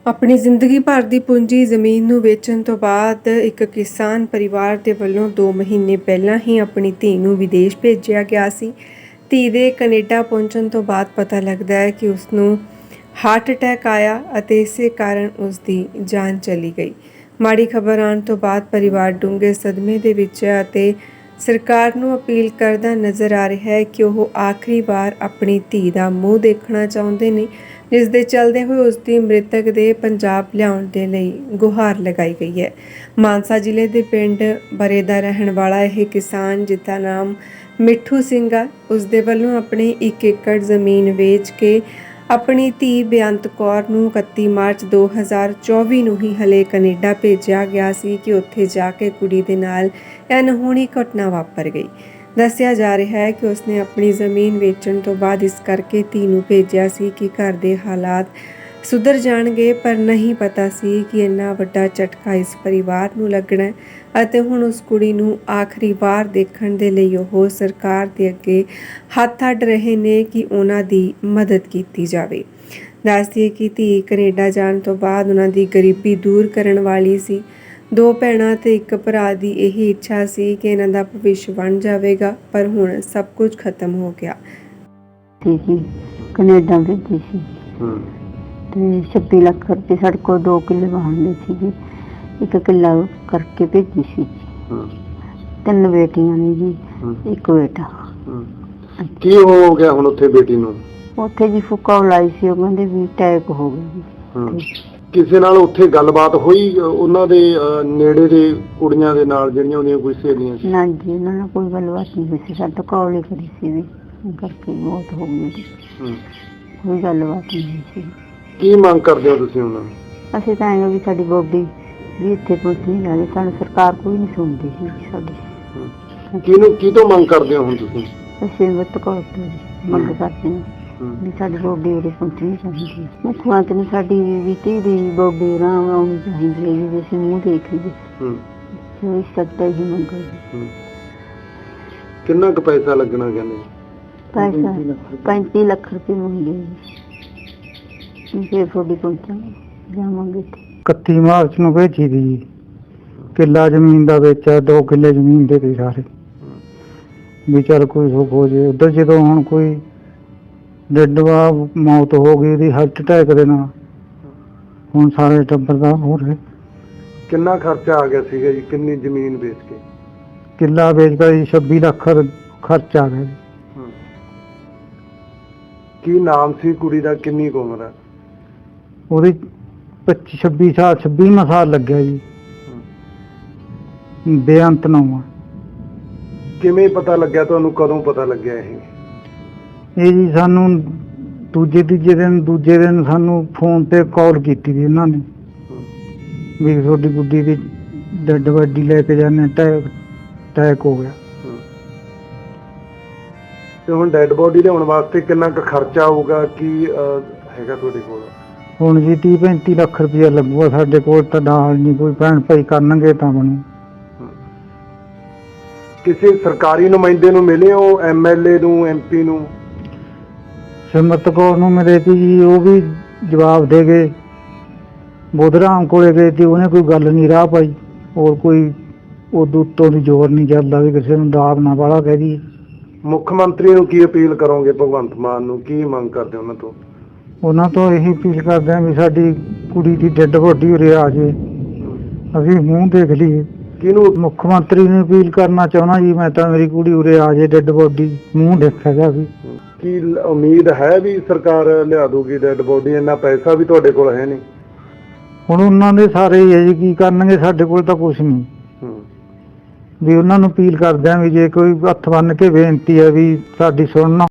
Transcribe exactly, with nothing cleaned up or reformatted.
ਆਪਣੀ ਜ਼ਿੰਦਗੀ ਭਰ ਦੀ ਪੂੰਜੀ ਜ਼ਮੀਨ ਨੂੰ ਵੇਚਣ ਤੋਂ ਬਾਅਦ ਇੱਕ ਕਿਸਾਨ ਪਰਿਵਾਰ ਦੇ ਵੱਲੋਂ ਦੋ ਮਹੀਨੇ ਪਹਿਲਾਂ ਹੀ ਆਪਣੀ ਧੀ ਨੂੰ ਵਿਦੇਸ਼ ਭੇਜਿਆ ਗਿਆ ਸੀ। ਧੀ ਦੇ ਕੈਨੇਡਾ ਪਹੁੰਚਣ ਤੋਂ ਬਾਅਦ ਪਤਾ ਲੱਗਦਾ ਹੈ ਕਿ ਉਸ ਨੂੰ ਹਾਰਟ ਅਟੈਕ ਆਇਆ ਅਤੇ ਇਸੇ ਕਾਰਨ ਉਸ ਦੀ ਜਾਨ ਚਲੀ ਗਈ। ਮਾੜੀ ਖਬਰ ਆਉਣ ਤੋਂ ਬਾਅਦ ਪਰਿਵਾਰ ਡੂੰਘੇ ਸਦਮੇ ਦੇ ਵਿੱਚ ਹੈ ਅਤੇ ਸਰਕਾਰ ਨੂੰ ਅਪੀਲ ਕਰਦਾ ਨਜ਼ਰ ਆ ਰਿਹਾ ਹੈ ਕਿ ਉਹ ਆਖਰੀ ਵਾਰ ਆਪਣੀ ਧੀ ਦਾ ਮੂੰਹ ਦੇਖਣਾ ਚਾਹੁੰਦੇ ਨੇ, ਜਿਸ ਦੇ ਚੱਲਦੇ ਹੋਏ ਉਸ ਦੀ ਮ੍ਰਿਤਕ ਦੇ ਪੰਜਾਬ ਲਿਆਉਣ ਦੇ ਲਈ ਗੁਹਾਰ ਲਗਾਈ ਗਈ ਹੈ। ਮਾਨਸਾ ਜ਼ਿਲ੍ਹੇ ਦੇ ਪਿੰਡ ਬਰੇ ਦਾ ਰਹਿਣ ਵਾਲਾ ਇਹ ਕਿਸਾਨ, ਜਿਸਦਾ ਨਾਮ ਮਿੱਠੂ ਸਿੰਘ ਆ, ਉਸ ਦੇ ਵੱਲੋਂ ਆਪਣੀ ਇੱਕ ਏਕੜ ਜ਼ਮੀਨ ਵੇਚ ਕੇ ਆਪਣੀ ਧੀ ਬੇਅੰਤ ਕੌਰ ਨੂੰ ਇਕੱਤੀ ਮਾਰਚ ਦੋ ਹਜ਼ਾਰ ਚੌਵੀ ਨੂੰ ਹੀ ਹਲੇ ਕੈਨੇਡਾ ਭੇਜਿਆ ਗਿਆ ਸੀ ਕਿ ਉੱਥੇ ਜਾ ਕੇ ਕੁੜੀ ਦੇ ਨਾਲ ਇਹ ਅਣਹੋਣੀ ਘਟਨਾ ਵਾਪਰ ਗਈ। ਦੱਸਿਆ ਜਾ ਰਿਹਾ ਹੈ ਕਿ ਉਸਨੇ ਆਪਣੀ ਜ਼ਮੀਨ ਵੇਚਣ ਤੋਂ ਬਾਅਦ ਇਸ ਕਰਕੇ ਧੀ ਨੂੰ ਭੇਜਿਆ ਸੀ ਕਿ ਘਰ ਦੇ ਹਾਲਾਤ ਸੁਧਰ ਜਾਣਗੇ, ਪਰ ਨਹੀਂ ਪਤਾ ਸੀ ਕਿ ਇੰਨਾ ਵੱਡਾ ਝਟਕਾ ਇਸ ਪਰਿਵਾਰ ਨੂੰ ਲੱਗਣਾ ਹੈ ਅਤੇ ਹੁਣ ਉਸ ਕੁੜੀ ਨੂੰ ਆਖਰੀ ਵਾਰ ਦੇਖਣ ਦੇ ਲਈ ਉਹ ਸਰਕਾਰ ਦੇ ਅੱਗੇ ਹੱਥ ਅੱਡ ਰਹੇ ਨੇ ਕਿ ਉਹਨਾਂ ਦੀ ਮਦਦ ਕੀਤੀ ਜਾਵੇ। ਦੱਸਦੀਏ ਕਿ ਧੀ ਕੈਨੇਡਾ ਜਾਣ ਤੋਂ ਬਾਅਦ ਉਹਨਾਂ ਦੀ ਗਰੀਬੀ ਦੂਰ ਕਰਨ ਵਾਲੀ ਸੀ। ਦੋ ਭੈਣਾਂ ਤੇ ਇੱਕ ਭਰਾ ਦੀ ਇਹੀ ਇੱਛਾ ਸੀ ਕਿ ਇਹਨਾਂ ਦਾ ਭਵਿੱਖ ਬਣ ਜਾਵੇਗਾ, ਪਰ ਹੁਣ ਸਭ ਕੁਝ ਖਤਮ ਹੋ ਗਿਆ। ਜੀ ਕੈਨੇਡਾ ਭੇਜੀ ਸੀ ਤੇ ਛੱਬੀ ਲੱਖ ਰੁਪਏ ਸਾਡੇ ਕੋਲ ਦੋ ਕਿੱਲੇ ਵਾਹੁੰਦੇ ਸੀ ਜੀ, ਇੱਕ ਕਿੱਲਾ ਕਰਕੇ ਭੇਜੀ ਸੀ ਜੀ। ਤਿੰਨ ਬੇਟੀਆਂ ਨੇ ਜੀ, ਇੱਕ ਬੇਟਾ। ਕੀ ਹੋ ਗਿਆ ਹੁਣ ਉੱਥੇ ਬੇਟੀ ਨੂੰ? ਉੱਥੇ ਜੀ ਫੁੱਕਾ ਲਾਈ ਸੀ, ਉਹ ਕਹਿੰਦੇ ਵੀ ਅਟੈਕ ਹੋ ਗਿਆ ਜੀ। ਕਿਸੇ ਨਾਲ ਉੱਥੇ ਗੱਲਬਾਤ ਹੋਈ ਉਹਨਾਂ ਦੇ ਨੇੜੇ ਦੇ ਕੁੜੀਆਂ ਦੇ ਨਾਲ ਜਿਹੜੀਆਂ ਉਹਦੀਆਂ ਕੋਈ ਸਹੇਲੀਆਂ ਸੀ? ਨਾ ਜੀ, ਉਹਨਾਂ ਨਾਲ ਕੋਈ ਗੱਲਬਾਤ ਨਹੀਂ ਹੋਈ ਸੀ। ਸਾਡਾ ਕਾਲ ਹੀ ਕਰੀ ਸੀ ਵੀ ਕਰਕੇ ਮੌਤ ਹੋ ਗਈ ਜੀ, ਕੋਈ ਗੱਲਬਾਤ ਨਹੀਂ ਹੋਈ ਸੀ। ਕੀ ਮੰਗ ਕਰਦੇ ਹੋ ਤੁਸੀਂ ਉਹਨਾਂ ਨੂੰ? ਅਸੀਂ ਤਾਂ ਐਂ ਵੀ ਸਾਡੀ ਬੋਡੀ ਵੀ ਇੱਥੇ ਪਹੁੰਚਣੀ ਚਾਹੀਦੀ, ਸਾਨੂੰ ਸਰਕਾਰ ਕੋਈ ਨਹੀਂ ਸੁਣਦੀ ਸੀ ਸਾਡੀ। ਕਿਹਨੂੰ ਕੀ ਤੋਂ ਮੰਗ ਕਰਦੇ ਹੋ ਹੁਣ ਤੁਸੀਂ? ਅਸੀਂ ਮਤ ਕੋਲ ਮੰਗ ਕਰਦੇ ਹਾਂ ਵੀ ਸਾਡੀ ਬੋਡੀ ਉਰੇ ਪਹੁੰਚਣੀ ਚਾਹੀਦੀ। ਮੁੱਖ ਮੰਤਰੀ ਨੇ ਸਾਡੀ ਵੀ ਧੀ ਦੀ ਬੋਡੀ ਆਰਾਮ ਆਉਣੀ ਚਾਹੀਦੀ ਹੈ ਜੀ, ਅਸੀਂ ਮੂੰਹ ਦੇਖ ਲਈਏ। ਇਸ ਸਕਦਾ ਹੀ ਮੰਗ ਹੈ। ਕਿੰਨਾ ਕੁ ਪੈਸਾ ਲੱਗਣਾ ਕਹਿੰਦੇ? ਪੈਸਾ ਪੈਂਤੀ ਲੱਖ ਰੁਪਏ ਮੰਗੇ ਜੀ, ਫਿਰ ਤੁਹਾਡੀ ਪਹੁੰਚਾਂਗੇ ਜਾਵਾਂਗੇ। ਇਕੱਤੀ ਮਾਰਚ ਨੂੰ ਭੇਜੀ ਦੀ, ਕਿੱਲਾ ਜ਼ਮੀਨ ਦਾ ਵੇਚਿਆ, ਦੋ ਕਿੱਲੇ ਜ਼ਮੀਨ ਦੇ ਦੇ ਸਾਰੇ ਵੀ ਚੱਲ ਕੋਈ ਸੁੱਖ ਹੋ ਜੇ। ਉੱਧਰ ਜਦੋਂ ਹੁਣ ਕੋਈ ਡੱਡਵਾ ਮੌਤ ਹੋ ਗਈ ਉਹਦੀ ਹਾਰਟ ਅਟੈਕ ਦੇ ਨਾਲ, ਹੁਣ ਸਾਰੇ ਟੱਬਰ ਦਾ ਹੋ ਰਿਹਾ। ਕਿੰਨਾ ਖਰਚਾ ਆ ਗਿਆ ਸੀਗਾ ਜੀ? ਕਿੰਨੀ ਜ਼ਮੀਨ ਵੇਚ ਕੇ? ਕਿੱਲਾ ਵੇਚ ਕੇ ਜੀ ਛੱਬੀ ਲੱਖ ਖਰਚ ਆ ਗਿਆ ਜੀ। ਕੀ ਨਾਮ ਸੀ ਕੁੜੀ ਦਾ? ਕਿੰਨੀ ਕੁ ਉਮਰ ਹੈ ਉਹਦੀ? ਪੱਚੀ ਛੱਬੀ ਸਾਲ ਛੱਬੀਵਾਂ ਸਾਲ ਲੱਗਿਆ ਜੀ। ਬੇਅੰਤ ਨਾਮ ਆ। ਕਿਵੇਂ ਪਤਾ ਲੱਗਿਆ ਤੁਹਾਨੂੰ? ਕਦੋਂ ਪਤਾ ਲੱਗਿਆ ਇਹ? ਇਹ ਜੀ ਸਾਨੂੰ ਦੂਜੇ ਤੀਜੇ ਦਿਨ ਦੂਜੇ ਦਿਨ ਸਾਨੂੰ ਫੋਨ ਤੇ ਕਾਲ ਕੀਤੀ ਸੀ ਇਹਨਾਂ ਨੇ ਵੀ ਤੁਹਾਡੀ ਗੁੱਡੀ ਦੀ ਡੈਡ ਬਾਡੀ ਲੈ ਕੇ ਜਾਂਦੇ, ਅਟੈਕ ਅਟੈਕ ਹੋ ਗਿਆ। ਤੇ ਹੁਣ ਡੈਡ ਬੋਡੀ ਲਿਆਉਣ ਵਾਸਤੇ ਕਿੰਨਾ ਕੁ ਖਰਚਾ ਆਊਗਾ? ਕੀ ਹੈਗਾ ਤੁਹਾਡੇ ਕੋਲ? ਹੁਣ ਜੀ ਤੀਹ ਪੈਂਤੀ ਲੱਖ ਰੁਪਇਆ ਲੱਗੂਗਾ ਸਾਡੇ ਕੋਲ, ਤਾਂ ਨਾਲ ਨਹੀਂ ਕੋਈ ਭੈਣ ਭਾਈ ਕਰਨਗੇ ਤਾਂ ਬਣੂ। ਕਿਸੇ ਸਰਕਾਰੀ ਨੁਮਾਇੰਦੇ ਨੂੰ ਮਿਲੇ ਹੋ? ਐਮ ਐਲ ਏ ਨੂੰ, ਐਮ ਪੀ ਨੂੰ? ਸਿਮਰਤ ਕੌਰ ਨੂੰ ਮਿਲੇ ਸੀ ਜੀ, ਉਹ ਵੀ ਜਵਾਬ ਦੇ ਗਏ। ਬੁੱਧਰਾਮ ਕੋਲੇ ਗਏ ਸੀ, ਉਹਨੇ ਕੋਈ ਗੱਲ ਨਹੀਂ ਰਾਹ ਪਾਈ। ਹੋਰ ਕੋਈ ਉਦੋਂ ਉੱਤੋਂ ਦੀ ਜ਼ੋਰ ਨਹੀਂ ਚੱਲਦਾ ਵੀ ਕਿਸੇ ਨੂੰ ਦਾਬ ਨਾ ਵਾਲਾ ਕਹਿ ਦਈਏ। ਮੁੱਖ ਮੰਤਰੀ ਨੂੰ ਕੀ ਅਪੀਲ ਕਰੋਗੇ? ਭਗਵੰਤ ਮਾਨ ਨੂੰ ਕੀ ਮੰਗ ਕਰਦੇ ਉਹਨਾਂ ਤੋਂ? ਉਹਨਾਂ ਤੋਂ ਇਹੀ ਅਪੀਲ ਕਰਦੇ ਹਾਂ ਵੀ ਸਾਡੀ ਕੁੜੀ ਦੀ ਡੈੱਡ ਬੋਡੀ ਉਰੇ ਆ ਜਾਵੇ, ਅਸੀਂ ਮੂੰਹ ਦੇਖ ਲਈਏ। ਕਿਹਨੂੰ? ਮੁੱਖ ਮੰਤਰੀ ਨੂੰ ਅਪੀਲ ਕਰਨਾ ਚਾਹੁੰਦਾ ਜੀ ਮੈਂ ਤਾਂ, ਮੇਰੀ ਕੁੜੀ ਉਰੇ ਆ ਜਾਏ, ਡੈੱਡ ਬੋਡੀ ਮੂੰਹ ਦੇਖਿਆ ਜਾਵੇ। ਕੀ ਉਮੀਦ ਹੈ ਵੀ ਸਰਕਾਰ ਲਿਆ ਦੂਗੀ ਡੈੱਡ ਬੋਡੀ? ਇੰਨਾ ਪੈਸਾ ਵੀ ਤੁਹਾਡੇ ਕੋਲ ਹੈ ਨਹੀਂ। ਹੁਣ ਉਹਨਾਂ ਦੇ ਸਾਰੇ ਹੀ ਹੈ ਜੀ, ਕੀ ਕਰਨਗੇ? ਸਾਡੇ ਕੋਲ ਤਾਂ ਕੁਛ ਨਹੀਂ। ਵੀ ਉਹਨਾਂ ਨੂੰ ਅਪੀਲ ਕਰਦੇ ਹਾਂ ਵੀ ਜੇ ਕੋਈ ਹੱਥ ਬੰਨ੍ਹ ਕੇ ਬੇਨਤੀ ਹੈ ਵੀ ਸਾਡੀ ਸੁਣਨਾ।